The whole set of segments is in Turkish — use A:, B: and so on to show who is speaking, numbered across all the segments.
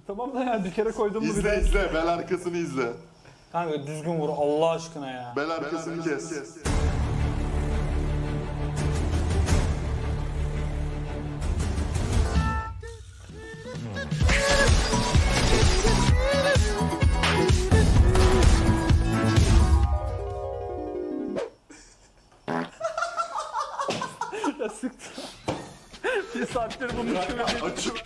A: Tamam da ya bir kere koydum mu bir
B: İzle
A: de.
B: izle. Bel arkasını izle.
C: Kanka düzgün vur Allah aşkına ya.
B: Bel arkasını kes.
A: Ya sıktı. Bir saattir bunu düşünüyorum.
B: Açıp.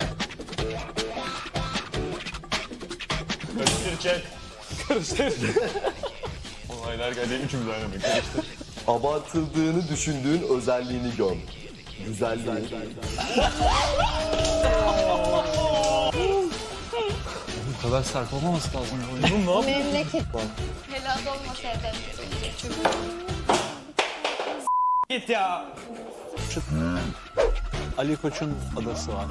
D: Karıştır çek. Karıştır. Olaylar geldi üçümüz aynı anda karıştır.
E: Abartıldığını düşündüğün özelliğini göm. Güzelliği.
D: Bu kadar sert olmaması lazım.
F: Memleket. Helal olmasaydı.
C: Git ya.
A: Ali Koç'un adası var.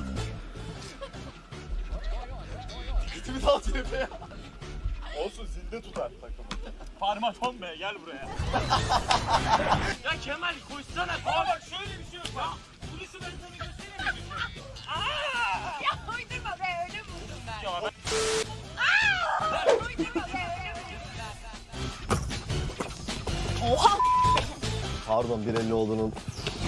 B: Olsun zinde tutar takımı.
D: Parmaton be gel buraya.
G: Ya Kemal koşsana. Aa bak şöyle bir şey yok bak. Bunu şu ben sana göstereyim mi? Aa!
F: Ya uydurma be öyle buldum ben.
G: Ya ben...
F: Uydurma be öyle buldum ben.
E: Pardon bir elli olduğunu unut.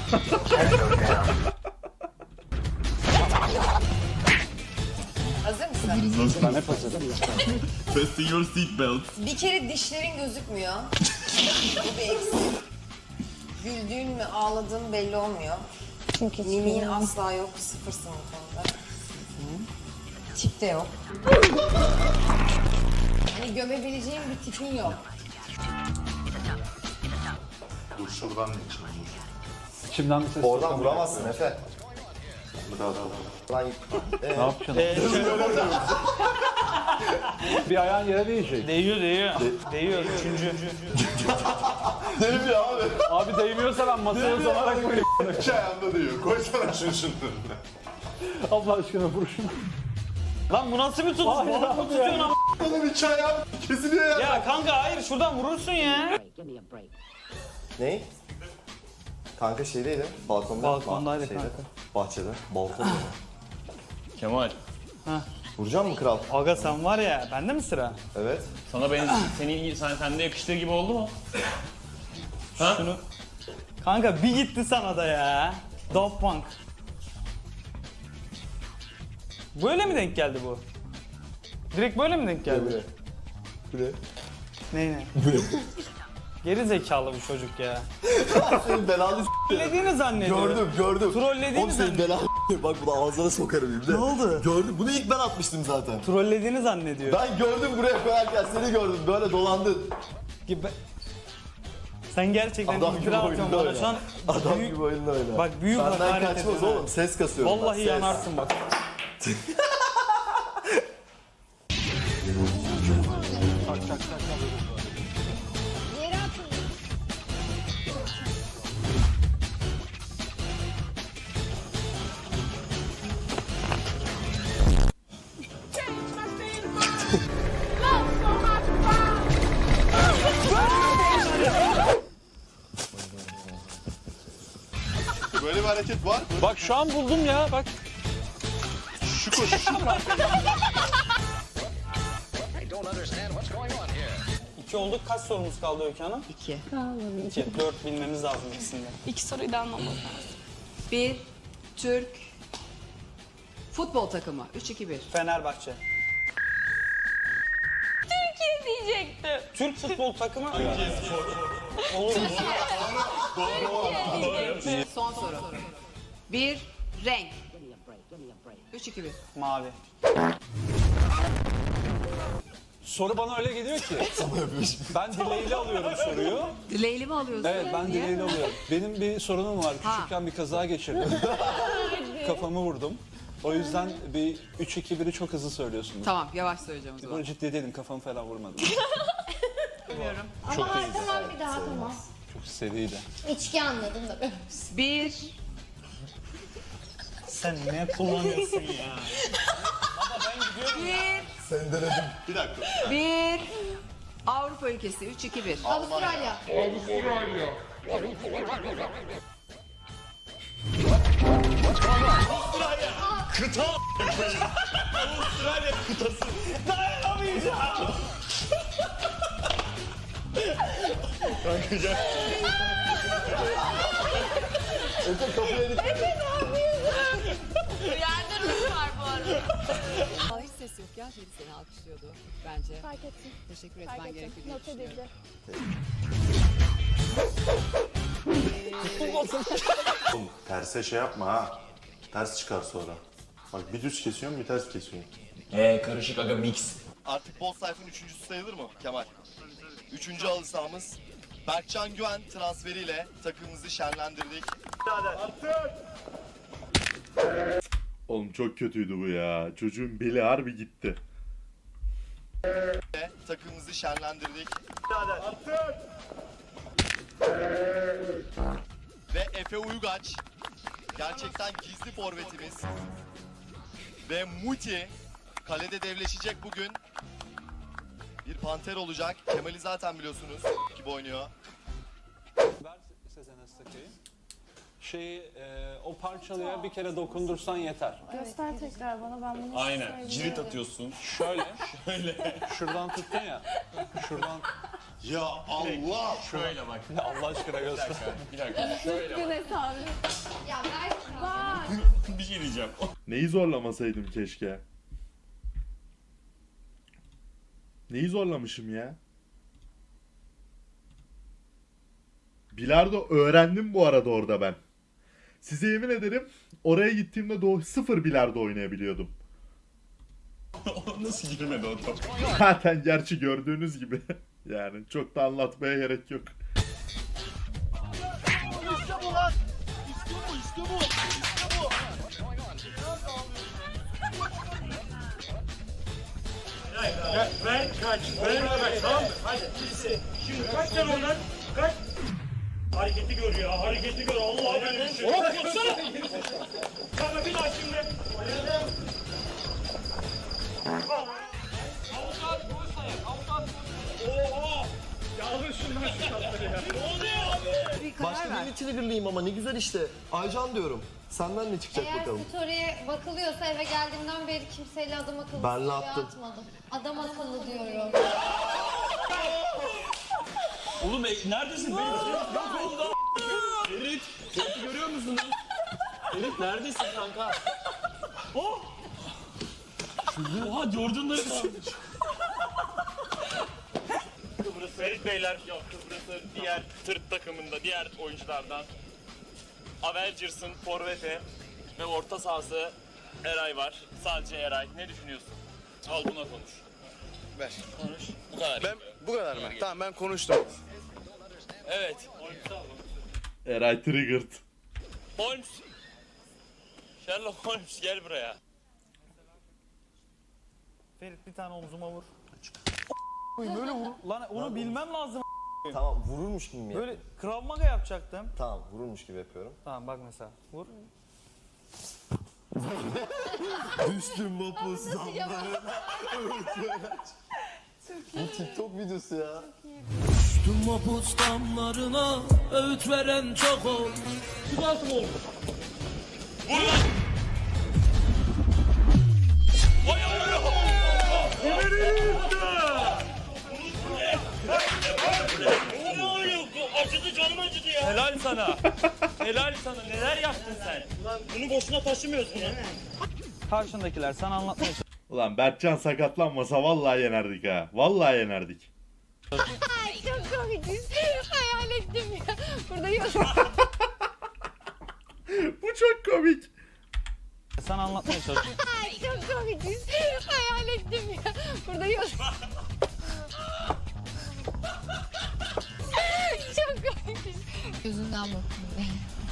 H: Hazır mısın?
A: Ben hep hazırım.
B: Fasten your seatbelt.
H: Bir kere dişlerin gözükmüyor. Bu bir eksik. Güldüğün mü ağladığın belli olmuyor.
F: Çünkü
H: Mimiğin asla yok. Sıfırsın bu konuda. Tip de yok. Hani gömebileceğin bir tipin yok.
B: Dur şuradan geçelim.
A: İçimden bir ses.
E: Oradan vuramazsın Efe.
B: Biraz daha.
E: Lan
A: Ne yapacaksın? Bir ayağın yere değecek.
C: Değiyor. Değiyor. Üçüncü.
E: deli abi.
A: Abi değmiyorsa ben masaya uzanarak koyayım.
B: İki ayağında diyor. Koysana şunun önüne.
A: Allah aşkına vur şunu.
C: Lan bu nasıl bir tutuş?
A: Hayır
C: Balık mı
A: abi
C: tutuyorsun
A: ya.
C: ama?
B: Oğlum iki ayağım kesiliyor ya.
C: Ya kanka hayır şuradan vurursun ya.
E: Ne? Kanka şeydeydi, balkonda.
C: Balkondaydı
E: Şeyde,
C: kanka.
E: Bahçede, balkonda.
D: Kemal
E: Vuracak mı kral?
C: Aga sen var ya bende mi sıra?
E: Evet.
D: sana sende yakıştığı gibi oldu mu?
C: Şunu. Kanka bir gitti sana da ya. Daft Punk. Böyle mi denk geldi bu? Direkt böyle mi denk geldi?
E: Bu ne?
C: Ne? Geri zekalı bir çocuk ya.
E: Senin belanı
C: Trollediğini zannediyorum.
E: gördüm.
C: Trollediğini
E: Oğlum senin belanı bak bu da ağzına sokarım şimdi.
C: Ne oldu?
E: Gördüm. Bunu ilk ben atmıştım zaten.
C: Trollediğini zannediyor.
E: Ben gördüm buraya koyarken seni gördüm. Böyle dolandın.
C: Gibi. Sen gerçekten
E: Adam gibi
C: iftira atıyorsun
E: oyunda
C: bana
E: oyna.
C: şu an.
E: Adam
C: büyük-
E: gibi oyunla oyna.
C: Bak büyük
E: Benden
C: hakaret
E: kaçmaz
C: ediyorsun
E: oğlum.
C: ha.
E: Ses kasıyorum ben.
C: Vallahi
E: Ses.
C: yanarsın bak.
F: Yere atın.
B: Böyle bir hareket var mı?
A: Bak şu an buldum ya bak.
B: Şu koşu.
C: İki olduk. Kaç sorumuz kaldı Öykü Hanım?
H: İki.
C: İki. 4 bilmemiz lazım ikisinde.
F: İki soruyu da anlamam lazım.
H: Bir Türk futbol takımı. 3-2-1.
C: Fenerbahçe.
F: Türkiye diyecektim.
C: Türk futbol takımı. Olur mu?
H: Son soru. Bir renk. 3-2-1.
C: Mavi.
A: Soru bana öyle geliyor ki. Ben dileğiyle alıyorum soruyu.
H: Dileğli mi alıyorsun?
A: Evet ben
H: Niye?
A: dileğiyle alıyorum. Benim bir sorunum var.
H: Ha.
A: Küçükken bir kaza geçirdim. Kafamı vurdum. O yüzden bir 3-2-1'i çok hızlı söylüyorsunuz.
H: Tamam yavaş söyleyeceğim o zaman.
A: Böyle ciddi değilim kafamı falan vurmadım.
F: Ama tamam bir daha tamam.
A: Çok seriydi.
F: İçki anladım da.
H: Bir
C: Sen ne kullanıyorsun ya?
B: Bir dakika.
H: bir Avrupa ülkesi. 3-2-1.
F: Avustralya.
D: Kıta Avustralya kıtası. Dayanamayacağım. Kanka gel.
E: Efe kapıya dik.
F: Yerde ruj var bu arada.
I: Aa, hiç ses yok ya. Feri seni alkışlıyordu bence.
F: Fark ettim.
I: Teşekkür
F: Fark
I: etmen
F: ettim.
I: gerekiyor diye
F: Not
I: düşünüyorum.
F: edildi.
B: Oğlum terse şey yapma ha. Ters çıkar sonra. Bak bir düz kesiyorsun bir ters kesiyorsun.
D: Karışık aga mix.
E: Artık Boz Sayf'ın üçüncüsü sayılır mı Kemal? Üçüncü halı sahamız. Berkcan Güven transferiyle takımımızı şenlendirdik.
B: Oğlum çok kötüydü bu ya. Çocuğun beli harbi gitti.
E: Ve takımımızı şenlendirdik. Ve Efe Uygaç. Gerçekten gizli forvetimiz. Ve Muti. Kalede devleşecek bugün. Bir panter olacak. Kemal'i zaten biliyorsunuz gibi oynuyor.
A: Ver Sezen Astakay'ı. O parçalıya bir kere dokundursan yeter.
F: Göster tekrar bana, ben bunu
D: Aynen. Cirit atıyorsun.
A: Şöyle. Şuradan tuttun ya. Şuradan.
B: Ya Allah!
D: Şöyle bak.
A: Allah aşkına göster.
D: Bir dakika. Şöyle bak.
F: Gün hesabı. Ya ver. Var.
D: Bir şey diyeceğim.
B: Neyi zorlamasaydım keşke? Neyi zorlamışım ya? Bilardo öğrendim bu arada orada ben. Size yemin ederim oraya gittiğimde sıfır bilardo oynayabiliyordum.
D: O nasıl girmedi o top?
B: Zaten gerçi gördüğünüz gibi. Yani çok da anlatmaya gerek yok.
G: Ver kaç. Ver kaç. Tamam mı? Hadi. Şimdi kaç sen oradan. Kaç. Hareketi gör ya. Hareketi gör. Allah benim için. Hop koşsana. Kanka bir daha şimdi. Avukat polis ayak. Avukat polis. Oha. Yalnız şundan şu tatları ya. Ne oluyor?
I: Bir karar
E: Başka
I: ver.
E: birini triggerlayayım ama ne güzel işte. Aycan diyorum. Senden ne çıkacak
F: Eğer
E: bakalım.
F: story'e bakılıyorsa eve geldiğimden beri kimseyle adam akıllı
E: Benle
F: story
E: attım.
F: atmadım. Adam akıllı diyorum.
D: Oğlum neredesin? Yok oldu. Ferit. Ferit'i görüyor musun? Ferit neredesin kanka? Oh. Oha Jordan'ları kalmış.
G: Kıbrıs Ferit Beyler yok. Kıbrıs'ı diğer tırt takımında diğer oyunculardan Avengers'ın forveti ve orta sahası Eray var. Sadece Eray. Ne düşünüyorsun? Al buna konuş.
E: Ver.
G: Konuş. Bu kadar.
E: Bu kadar mı? Tamam ben konuştum.
G: Evet.
B: Eray triggered.
G: Holmes. Sherlock Holmes gel buraya.
C: Ferit bir tane omzuma vur. Böyle vur. Lan onu bilmem lazım.
E: Tamam vururmuş gibi mi yap?
C: Böyle Krav Maga yapacaktım.
E: Tamam vururmuş gibi yapıyorum.
C: Tamam bak mesela. Vur.
E: Düştüm mapus zamlarına. Bu TikTok videosu ya.
J: Tüm mapus damlarına öğüt veren çok ol.
G: Bu nasıl oldu? Vur lan! Vay Allah! Ne oluyor? Acıdı canım acıdı ya.
D: Helal sana. Helal sana. Neler yaptın sen?
G: Lan bunu boşuna taşımıyoruz bunu.
C: Karşındakiler sana anlatmaya
B: Ulan Berkcan sakatlanmasa vallahi yenerdik ha. Vallahi yenerdik.
F: Ay çok komiksin. Hayal ettim ya. Burada yok.
B: Bu çok komik.
C: sana anlatmaya çalışıyorum.
F: Ay çok komiksin. Hayal ettim ya. Burada yok. Çok komiksin. Gözünden bakın.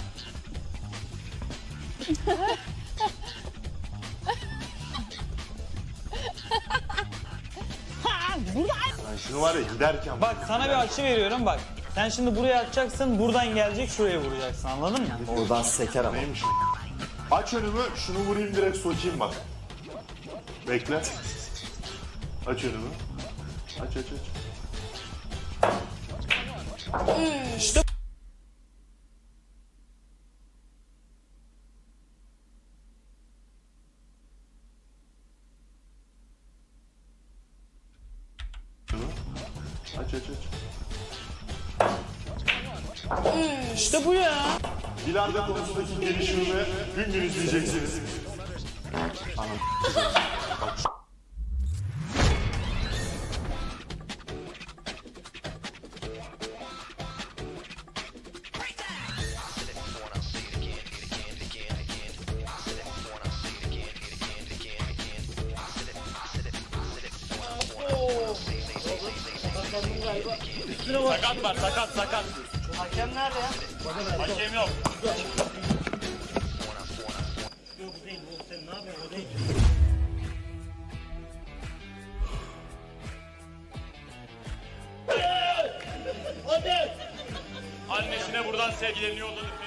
B: Ben şunu var ya giderken
C: Bak sana bir açı veriyorum bak. Sen şimdi buraya atacaksın, buradan gelecek şuraya vuracaksın, anladın mı?
E: Oradan seker ama.
B: neymiş? Aç önümü, şunu vurayım direkt sokayım bak. Bekle. Aç önümü. Aç aç aç.
C: İşte İşte bu ya.
B: Bilardo konusundaki gelişimimi gün gün izleyeceksiniz.
G: Sakat var, sakat.
C: Hakem nerede ya?
G: Hakem yok. Annesine buradan sevgilerini yolladık.